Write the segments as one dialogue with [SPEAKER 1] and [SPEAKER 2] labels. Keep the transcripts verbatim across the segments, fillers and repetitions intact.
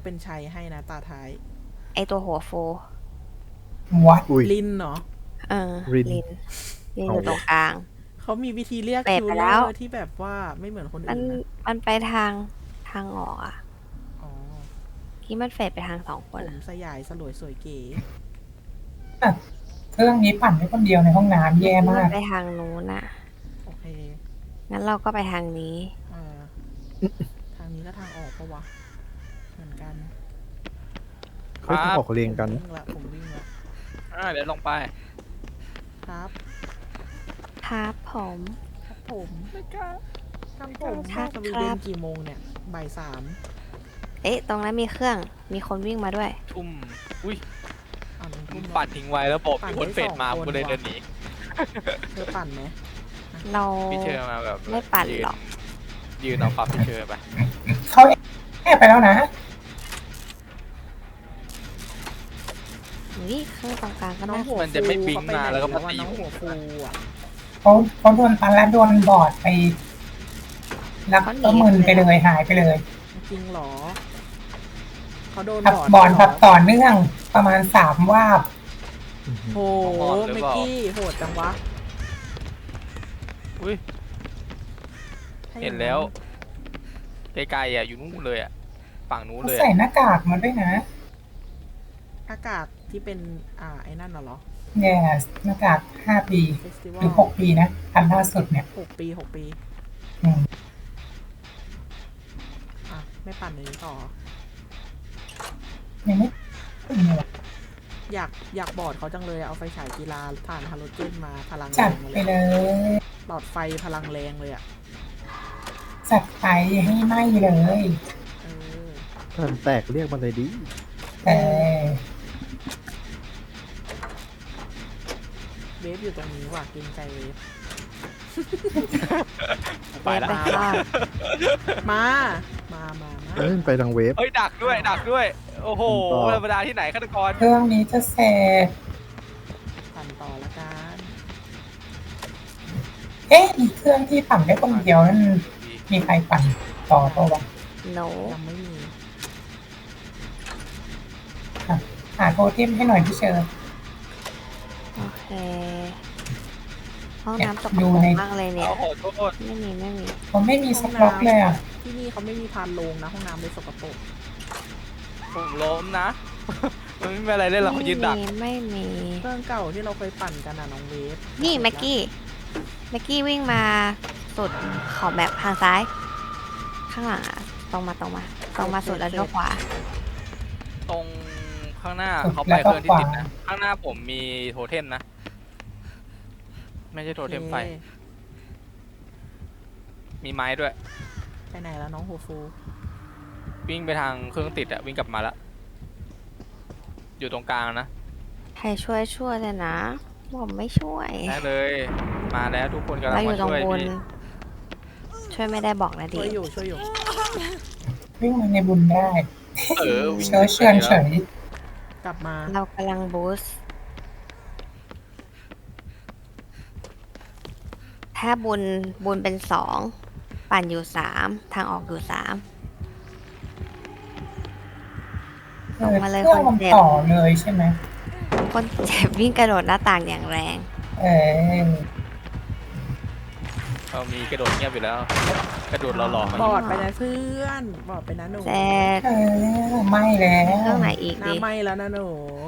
[SPEAKER 1] เป็นชัยให้นะตาท้าย
[SPEAKER 2] ไอตัวหัวฟู
[SPEAKER 3] วัด
[SPEAKER 1] ลินเนาะ
[SPEAKER 2] เออ
[SPEAKER 4] ริน
[SPEAKER 2] ลินลินอยู่ตรงกลาง
[SPEAKER 1] เขามีวิธีเรียก
[SPEAKER 2] เปรต
[SPEAKER 1] คิว
[SPEAKER 2] ไป
[SPEAKER 1] เล
[SPEAKER 2] แล้
[SPEAKER 1] อ
[SPEAKER 2] ว
[SPEAKER 1] ร์ที่แบบว่าไม่เหมือนคน
[SPEAKER 2] มัน
[SPEAKER 1] อื่นนะ
[SPEAKER 2] มันไปทางทางออกอ่ะ
[SPEAKER 1] อ๋อ
[SPEAKER 2] ที่มันเฟดไปทางสองค
[SPEAKER 1] ผ
[SPEAKER 2] น
[SPEAKER 1] ม
[SPEAKER 2] อะ
[SPEAKER 1] สยายสลวยสวยเก๋
[SPEAKER 3] เครื่องนี้ปั่นได้คนเดียวในห้องน้ำแย่
[SPEAKER 2] ที่
[SPEAKER 3] มา
[SPEAKER 2] มัน
[SPEAKER 3] ก
[SPEAKER 2] ไปทางนู้นน่ะ
[SPEAKER 1] โอเค
[SPEAKER 2] งั้นเราก็ไปทางนี้
[SPEAKER 1] เออทางนี้ก็ทางออกปะวะเหมือนกัน
[SPEAKER 4] เฮ้ยต้องออกเรียงกัน
[SPEAKER 1] ผมวิ่งละผมวิ่งละ
[SPEAKER 5] อ่าเดี๋ยวลงไป
[SPEAKER 1] ครับ
[SPEAKER 2] ครับผม
[SPEAKER 1] ครับผม
[SPEAKER 5] ไม่กล้า
[SPEAKER 1] ครับผม
[SPEAKER 2] ครับ
[SPEAKER 1] สวีเดนกี่โมงเนี่ยบ่ายสาม
[SPEAKER 2] เอ๊ะ ตรงนั้นมีเครื่อง มีคนวิ่งมาด้วย
[SPEAKER 5] ทุ่มอุ้ย
[SPEAKER 1] อ่าน
[SPEAKER 5] มึ
[SPEAKER 1] ทุ่
[SPEAKER 5] ง
[SPEAKER 1] ม
[SPEAKER 5] ปัดทิ้งไว้แล้วบอก
[SPEAKER 1] ปั่น
[SPEAKER 5] มีคน
[SPEAKER 1] ได้
[SPEAKER 5] เฟดมา
[SPEAKER 1] สองคน
[SPEAKER 5] กูเลย
[SPEAKER 1] ว่ะ
[SPEAKER 5] เดินหนี
[SPEAKER 1] เธอปั่นไหม
[SPEAKER 2] เรา
[SPEAKER 5] พี่เชอร์มาแบบ
[SPEAKER 2] ไม่ปั่นหรอก
[SPEAKER 5] ยืนเอาปั๊บพี่เชอร์ไป
[SPEAKER 3] เขาแอบไปแล้วนะ
[SPEAKER 2] นี่เครื่องตรงกลางก็
[SPEAKER 1] น้อง
[SPEAKER 2] น่า
[SPEAKER 1] หัว
[SPEAKER 5] มันจะไม่ปิ๊งมาแล้วก็มาตี
[SPEAKER 1] น้องหัวฟูอ่ะ
[SPEAKER 3] เขาเขาโดนปันแล้วโดนบอดไป แล้วก็มึนไปเลยหายไปเลย
[SPEAKER 1] จริงเหรอเขาโดน
[SPEAKER 3] ทับบ
[SPEAKER 1] อด
[SPEAKER 3] บอล
[SPEAKER 1] เหร
[SPEAKER 3] ทับต่อเนื่องประมาณสามวาบ
[SPEAKER 1] โหเมกกี้โหดจังวะ
[SPEAKER 5] อุ้ย
[SPEAKER 1] ถ้าอ
[SPEAKER 5] เห็
[SPEAKER 1] ย่าง
[SPEAKER 5] นแล้วไกลๆอ่ะอยู่นู่นเลยอ่ะฝั่งนู้น
[SPEAKER 3] เขา
[SPEAKER 5] เลย
[SPEAKER 3] ใส่
[SPEAKER 5] อะ
[SPEAKER 3] หน้ากากมาด้วยนะ
[SPEAKER 1] อากาศที่เป็นอ่าไอ้นั่นน่ะเหรอ
[SPEAKER 3] แย่หน้ากากห้าปี
[SPEAKER 1] เฟสติวั
[SPEAKER 3] หรือ
[SPEAKER 1] ล
[SPEAKER 3] หกปีนะอันล่าสุดเนี่ย
[SPEAKER 1] หกปีหกปี
[SPEAKER 3] อืม
[SPEAKER 1] อ่ะไม่ปั่นเลยต่อ
[SPEAKER 3] ยังไม่ถึงเลย
[SPEAKER 1] อยากอยากบอร์ดเขาจังเลยเอาไฟฉายกีฬาถ่านฮาโลเจนมาพลังแร
[SPEAKER 3] จัด
[SPEAKER 1] งมา
[SPEAKER 3] ไป
[SPEAKER 1] เลย
[SPEAKER 3] เลย
[SPEAKER 1] หลอดไฟพลังแรงเลยอ่ะ
[SPEAKER 3] จัดไปให้ไหมเลย
[SPEAKER 1] เออ
[SPEAKER 4] ท่านแตกเรียกมันเลยดิ
[SPEAKER 3] แต่
[SPEAKER 1] เวฟอยู่ตรงนี้ว่ะเกรงใจเวฟ
[SPEAKER 5] ไปแล้ว
[SPEAKER 2] ไปข้าง
[SPEAKER 1] มา มามามา
[SPEAKER 4] เอ้ยไปทางเวฟ
[SPEAKER 5] เฮ้ยดักด้วยดักด้วย โอ้โห
[SPEAKER 4] ต่อ
[SPEAKER 5] ธรรมดาที่ไหนฆาตกร
[SPEAKER 3] เครื่องนี้จะเสร็จ
[SPEAKER 1] ปั่นต่อละกัน
[SPEAKER 3] เอ๊ะอีกเครื่องที่ปั่นได้คนเดียวนั่นมีใครปั่นต่อตัววะ
[SPEAKER 2] โน
[SPEAKER 1] ยังไม่มี
[SPEAKER 3] หาโทเทมให้หน่อยพี่เชิญ
[SPEAKER 2] โอเค ห้องน้ำตก
[SPEAKER 3] ดู
[SPEAKER 2] ปรก
[SPEAKER 3] ใน
[SPEAKER 2] มากเลยเนี่ย
[SPEAKER 5] โอ้โหโทษ
[SPEAKER 2] ไม่มีไม่มี
[SPEAKER 3] ผมไม่มีสต็อกเลยอ่ะ
[SPEAKER 1] ที่นี่เขาไม่มีพานโลงนะ ห้องน้ำเลยสกปรก
[SPEAKER 5] ผมล้มนะ มันไม่มีอะไรเล่นหรอกเขายืนดัก
[SPEAKER 2] ไม่มีไม่มี
[SPEAKER 1] เครื่องเก่าที่เราเคยปั่นกันนะน้องเวฟ
[SPEAKER 2] นี่แม็กกี้แม็กกี้วิ่งมาสุดขอบแบบทางซ้าย ข้างหลังอะตรงมาตรงมา ตรงมาสุดแล้วเลี้ยวขวา
[SPEAKER 5] ตรงข้างหน้า
[SPEAKER 3] สุด
[SPEAKER 5] เขา
[SPEAKER 3] แล้
[SPEAKER 5] ไป
[SPEAKER 3] วก็
[SPEAKER 5] เครื่องที่ติด
[SPEAKER 3] ขวา
[SPEAKER 5] นะ ข้างหน้าผมมีโทเทมนะ ไม่ใช่โทเทมไฟ
[SPEAKER 1] โอค
[SPEAKER 5] มีไม้ด้วย
[SPEAKER 1] ไปไหนแล้วน้องโฮฟู
[SPEAKER 5] วิ่งไปทางเครื่องติดอะวิ่งกลับมาแล้ว อยู่ตรงกลางนะ
[SPEAKER 2] ใครช่วยช่วยเลยนะผมไม่ช่วย
[SPEAKER 5] ได้เลย มาแล้วทุกคนกำลัง
[SPEAKER 2] เราอยู่
[SPEAKER 5] มา
[SPEAKER 2] ตรง
[SPEAKER 5] ช่วย
[SPEAKER 2] บน
[SPEAKER 5] พี่
[SPEAKER 2] ช่วยไม่ได้บอกนะดิ
[SPEAKER 1] ช่วยอยู่ช่วยอยู่
[SPEAKER 3] วิ่งมาในบุญได้
[SPEAKER 5] เออวิ่ง
[SPEAKER 3] เชิญเชิญเฉย
[SPEAKER 1] กลับมา
[SPEAKER 2] เรากำลังบูสต์ถ้าบุญบุญเป็นสองปั่นอยู่สามทางออกอยู่สาม
[SPEAKER 3] เออ
[SPEAKER 2] ลงมาเลย
[SPEAKER 3] เครื่อง
[SPEAKER 2] ค
[SPEAKER 3] มัน น
[SPEAKER 2] เจ็บ
[SPEAKER 3] ต่อเลยใช่ไหม
[SPEAKER 2] คนเจ็บวิ่งกระโดดหน้าต่างอย่างแรง
[SPEAKER 3] เออ
[SPEAKER 5] เรามีกระโดดเงียบอยู่แล้ว กระโดดหล่อๆมา
[SPEAKER 1] บอดไปนะเพื่อน บอดไปนะหนู
[SPEAKER 2] เสร็จ
[SPEAKER 3] เออไม่แล้
[SPEAKER 2] เครื่
[SPEAKER 3] ว
[SPEAKER 2] องไหนอีก
[SPEAKER 1] หน้า
[SPEAKER 2] ดิ
[SPEAKER 1] ไหมแล้วนะหนู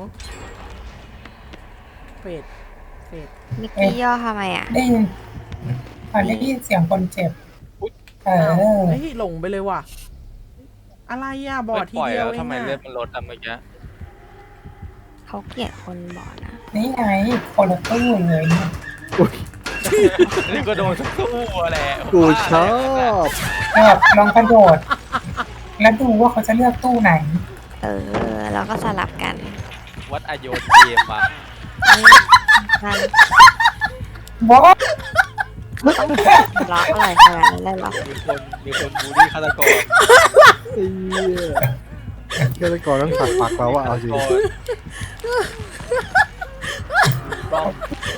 [SPEAKER 1] เฟดเฟด
[SPEAKER 2] มิกกี้ย่อทำไมอ่ะ
[SPEAKER 3] ได้ยินพอได้ยินเสียงคนเจ็บ เอ
[SPEAKER 1] อ้าว
[SPEAKER 3] อ
[SPEAKER 1] เฮ้ยหลงไปเลยว่ะ อะไรอ่ะ บอดที
[SPEAKER 5] ปล่อย
[SPEAKER 1] เดียว
[SPEAKER 5] แล้ว
[SPEAKER 1] เอ
[SPEAKER 5] ทำ
[SPEAKER 1] ง
[SPEAKER 5] ไม
[SPEAKER 1] อ่ะ
[SPEAKER 5] เลือดมันลดอะเมื่อกี้
[SPEAKER 2] เขาเกลียดคนบอกนะ
[SPEAKER 3] นี่ไงคนละตู้เลยเนี่ย
[SPEAKER 5] นี่ก็โดนสู้แหละ
[SPEAKER 4] กูชอบ
[SPEAKER 3] แบบลองกระโดด แล้วดูว่าเขาจะเลือกตู้ไหน
[SPEAKER 2] เออ แล้วก็สลับกัน
[SPEAKER 5] วัดอโยนเกมอ่ะ
[SPEAKER 2] นี่มัน
[SPEAKER 3] วอ
[SPEAKER 2] ล็อกอะไรขนาดนั้นเลยเหรอ
[SPEAKER 5] มีคนมีคนบูลลี่ฆาตกร
[SPEAKER 4] ไอ้เหี้ยฆาตกรต้องถักปักเราว่าเอาจริง
[SPEAKER 5] ต้อง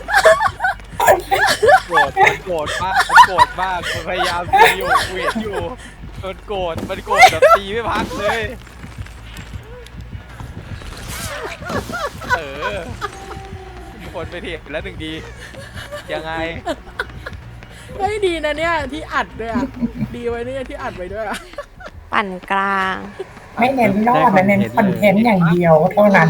[SPEAKER 5] โกรธมันโกรธมากมันโกรธมากมันพยายามตีอยู่เวียนอยู่มันโกรธมันโกรธแบบตีไม่พักเลยอมีคนไปเถียงแล้วหนึ่งดียังไง
[SPEAKER 1] เฮ้ยดีนะเนี่ยที่อัดด้วยอ่ะ ดีไว้เนี่ยที่อัดไว้ด้วยอ่ะ
[SPEAKER 2] ปั่นกลาง
[SPEAKER 3] ไม่เน้นรอดนะเน้นคอนเทนต์อย่างเดียวเท่านั้น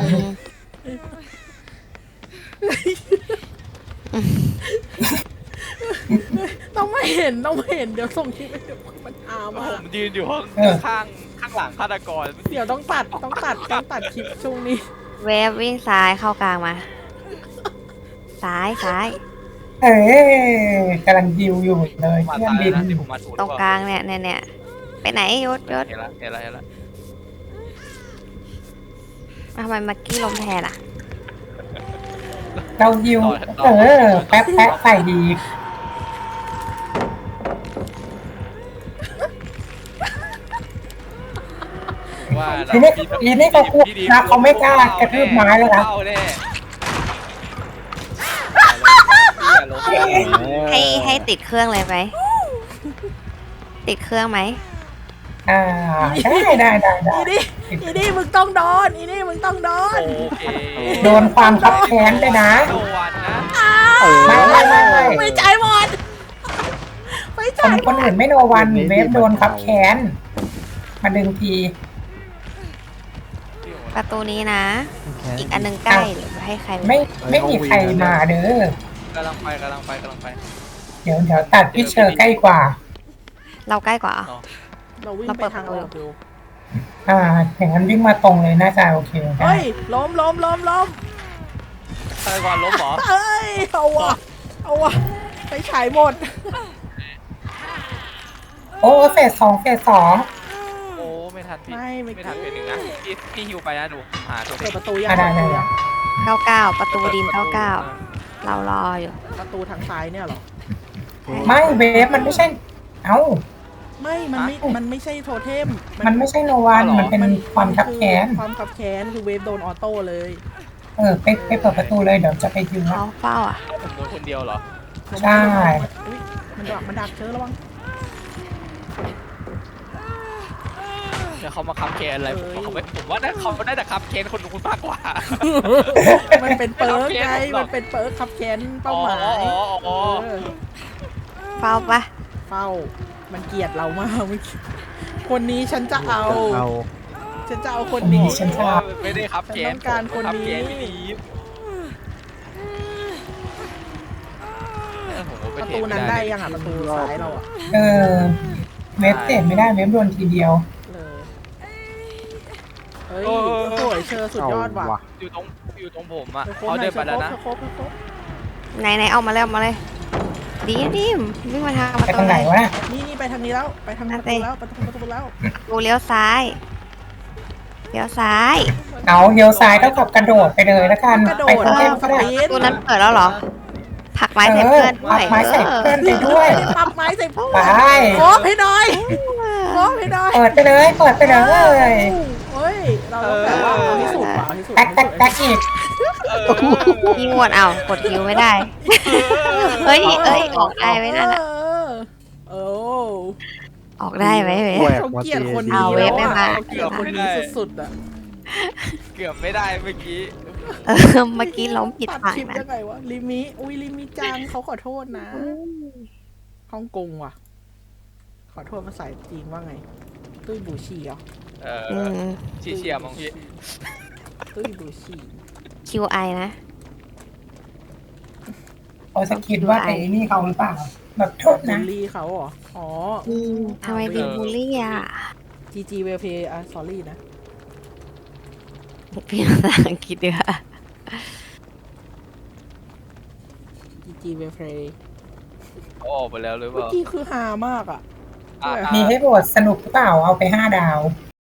[SPEAKER 1] ต้องไม่เห็นต้องไม่เห็นเดี๋ยวส่งคลิปไปเดี๋ยวมันอามา
[SPEAKER 5] ผมยืนอยู่ข้าง
[SPEAKER 3] เออ
[SPEAKER 5] ข้างข้างหลังฆาตกร
[SPEAKER 1] เดี๋ยวต้องตัดต้องตัดต้องตัดคลิปช่วงนี้
[SPEAKER 2] เวฟวิ่งซ้ายเข้ากลางมา ซ้ายซ้าย
[SPEAKER 3] เอ้ยกำลังดิวอยู่เลย
[SPEAKER 5] มา
[SPEAKER 3] เครื่อง
[SPEAKER 5] ตาย
[SPEAKER 3] บิน
[SPEAKER 5] แล้วนะที่ผมมาถูก
[SPEAKER 2] ตรงกลางเนี่ยเนี่ยเนี่ยไปไหนยศยศ
[SPEAKER 5] เห็นละเห็นละเห็นละ
[SPEAKER 2] ทำไมมักกี้ลมแทนอ่ะ
[SPEAKER 3] เราดิวเออแป๊บแป๊บใส่ดี
[SPEAKER 5] ว่า
[SPEAKER 3] ทีนี้ทีนี้เขาพูดนะเขาไม่กล้ากระทืบไม้แล้วนะ
[SPEAKER 5] เข้าแน่
[SPEAKER 2] ให้ให้ติดเครื่องเลยไหม ติดเครื่องไหม
[SPEAKER 3] อ่าได้ได้ได้ได้
[SPEAKER 1] อีนี่อีนี่มึงต้องโดนอีนี่มึงต้องโดน
[SPEAKER 5] โอเค
[SPEAKER 3] โดนความคับแค้นไปนะ
[SPEAKER 5] โดวันนะ
[SPEAKER 3] ไม่ไม่ไม่ไม่
[SPEAKER 1] ไม่จ่ายหมดไม่
[SPEAKER 3] ค
[SPEAKER 1] จ่าน ย
[SPEAKER 3] คนอื่นไม่โนวันเวฟโดนคับแค้นมาดึงที
[SPEAKER 2] ประตูนี้นะ อีกอันหนึงใกล้หรือให้ใคร
[SPEAKER 3] ไม่ไม่มีใครมาเด้อก
[SPEAKER 5] ำลังไปกำลังไปกำลังไป
[SPEAKER 3] เดี๋ยวเดี๋ยวตัดพี่เชอร์ใกล้กว่า
[SPEAKER 2] เราใกล้กว่า
[SPEAKER 5] อ๋อ
[SPEAKER 1] เราวิ่ง
[SPEAKER 2] เรา
[SPEAKER 1] ไป
[SPEAKER 2] เปิด
[SPEAKER 1] ทาง
[SPEAKER 2] ประตู
[SPEAKER 1] ออกอยู่
[SPEAKER 3] อ่าอย่างนั้นวิ่งมาตรงเลยน่าจะโอเคได้
[SPEAKER 1] เฮ้ยล้มล้มล้มล้ม
[SPEAKER 5] ฆาตกรล้มเหรอ
[SPEAKER 1] เอ้ยเอาวะเอาวะไปฉายหมด
[SPEAKER 3] โอ้เฟสสองเฟสสอง
[SPEAKER 5] โอ้ไม่ทันพี่
[SPEAKER 1] ไม่ไม่
[SPEAKER 5] ไม่ทันเป็นหนึ่งนะพี่พี่ฮิวไปนะหนูหาตัว
[SPEAKER 1] เปิดประตูยัง
[SPEAKER 3] อ่ะได้ได้ได้
[SPEAKER 2] เก้าเก้าประตูดินเก้าเก้าเรารออยู่
[SPEAKER 1] ประตูทางซ้ายเนี่ยเหรอ
[SPEAKER 3] ไม่เวฟมันไม่ใช่ เอ้า
[SPEAKER 1] ไม่มันไม่มันไม่ใช่โทเทม
[SPEAKER 3] มันไม่ใช่โนวันมันเป็นความคับแค้น
[SPEAKER 1] ความขับแค้นคือเวฟโดนออโต้เลย
[SPEAKER 3] เออไปไปเปิดประตูเลยเดี๋ยวจะไปยืน
[SPEAKER 2] เขาเฝ้าอ่ะ
[SPEAKER 5] ผมโดนคนเดียวเหรอ
[SPEAKER 3] ใช่
[SPEAKER 1] อุ๊ยมันดักมันดักเชอระวัง
[SPEAKER 5] เดี๋ยวเขามาคับแคนอะไรผมว่าเขาไม่ผมว่าน่าเขาน่าจะคับแคนคนนู้นมากกว่า
[SPEAKER 1] มันเป็นเปิร์กไง
[SPEAKER 5] ไม่เอาเกมหรอก
[SPEAKER 1] มันเป็นเปิร์กขับแค้นเป้าหมาย
[SPEAKER 5] อ๋ออ๋ออ๋อ
[SPEAKER 1] เออ
[SPEAKER 2] เฝ้าปะ
[SPEAKER 1] เฝ้ามันเกลียดเรามากเมื่อกี้คนนี้ฉันจะเอา
[SPEAKER 4] เอา
[SPEAKER 1] ฉันจะเอาคน
[SPEAKER 3] นี่
[SPEAKER 1] นี้
[SPEAKER 3] ฉันชอบ
[SPEAKER 5] ไม่ได้คับแคน
[SPEAKER 1] ฉันต้องการคนนี้
[SPEAKER 5] คับแคนไม่ดีเออผมว่า
[SPEAKER 1] ป
[SPEAKER 5] ไเท
[SPEAKER 1] ระตูนั้น
[SPEAKER 5] ม่
[SPEAKER 1] ได้ยังอ่ะประตูซ้ายเราอ่ะ
[SPEAKER 3] เออเวฟเสร็จไม่ได้เวฟโดนทีเดียว
[SPEAKER 1] เลยเฮ้ยสวยเชอสุดยอดว่ะ
[SPEAKER 4] เอา
[SPEAKER 5] อยู่ตรงอยู่ตรงผมอ่ะ
[SPEAKER 1] เชอ
[SPEAKER 5] เขาเดินไปแล้วนะ
[SPEAKER 1] เชอครบเชอครบ
[SPEAKER 2] ไหนไหนเอามาเลยเอามาเลย ดีดิมวิ่งมาทางป
[SPEAKER 3] ไประ
[SPEAKER 2] ตู
[SPEAKER 3] ทางไหน
[SPEAKER 2] เลยว
[SPEAKER 3] ะ
[SPEAKER 1] นี่นี่ไปทางนี้แล้วไปทางประตูแล้วไปทางประตูแล้ว
[SPEAKER 2] ดูเลี้ยวซ้ายเลี้ยวซ้าย
[SPEAKER 3] เอาเลี้ยวซ้ายเท่ากับกระโดดไปเลยแล้วกัน
[SPEAKER 1] กระโด
[SPEAKER 3] ไป
[SPEAKER 1] ด
[SPEAKER 3] โทเทมก็ได้
[SPEAKER 1] ปี
[SPEAKER 2] ประตูนั้นเปิดแล้วเหรอผลักไม้ใส่
[SPEAKER 3] เอ
[SPEAKER 2] เพื่
[SPEAKER 3] อ
[SPEAKER 2] อนด้ว
[SPEAKER 3] ปั
[SPEAKER 2] ย
[SPEAKER 3] กไม้ใส่
[SPEAKER 2] เออ
[SPEAKER 3] เพื่อนไปด้วย
[SPEAKER 1] ปับไม้ใส่พ่อ
[SPEAKER 3] ไป
[SPEAKER 1] โค้งให้หน่อยโค้งให้หน่อย
[SPEAKER 3] เปิดไปเลยเปิดไปเลย
[SPEAKER 1] เฮ้ยเราต้องแบบว่าเอาที่สุดว่ะเอาที่สุด
[SPEAKER 3] แท็กแท็กแท็กอีก
[SPEAKER 2] พี่งวดเอากดคิวไม่ได้ เฮ้ยเอ้ยออกได้ไหมนั่นอะ
[SPEAKER 1] เออ
[SPEAKER 2] ออกได้ไหมเว้ย
[SPEAKER 4] แหวก
[SPEAKER 1] เขา
[SPEAKER 4] มา
[SPEAKER 1] เกลียด
[SPEAKER 4] ตี
[SPEAKER 1] คน
[SPEAKER 2] เอา
[SPEAKER 1] นี้
[SPEAKER 2] เว็
[SPEAKER 1] แล้ว
[SPEAKER 2] บไม่
[SPEAKER 1] อ่ะ
[SPEAKER 2] มา
[SPEAKER 1] เขาเกลียดคนนี้สุดๆอ่ะ
[SPEAKER 5] เกือบไม่ได้เมื่อกี้
[SPEAKER 2] เออเมื่อกี้ล้มผิด
[SPEAKER 1] ตัด
[SPEAKER 2] ฝั่ง
[SPEAKER 1] คลิป
[SPEAKER 2] นะ
[SPEAKER 1] ยังไงวะลิมิอุ้ยลิมิจังเขาขอโทษนะฮ่องกงว่ะ ขอโทษภาษาจีนว่าไง ตุ้ยบูชีเหรอ
[SPEAKER 5] เอ
[SPEAKER 2] อื
[SPEAKER 5] อ
[SPEAKER 2] ม
[SPEAKER 5] ชีเชียร์มั้งพี่
[SPEAKER 1] ตุ้ยบูชี
[SPEAKER 2] คิวไอนะ
[SPEAKER 3] เขาจะคิดว่าไอ้นี่เขาหรือเปล่า แบบโทษ
[SPEAKER 1] บู
[SPEAKER 3] นะ
[SPEAKER 1] ลลี่เขาเหรออ๋อ
[SPEAKER 2] อืมทำไมดีบูลลี่อ่ะ
[SPEAKER 1] จีจีเวลเพย์อ่ะสอรี่นะ
[SPEAKER 2] พี่ภาษาอังกฤษดีกว่า
[SPEAKER 1] จีจีเวลเพย์
[SPEAKER 5] เขาออกไปแล้วหรือเป
[SPEAKER 1] เมื่อ
[SPEAKER 5] ล่า
[SPEAKER 1] กี้คือฮามากอ่ะ
[SPEAKER 5] อ่ะ
[SPEAKER 3] มีให้โหวตสนุกหรือเปล่าเอาไปห้าดาว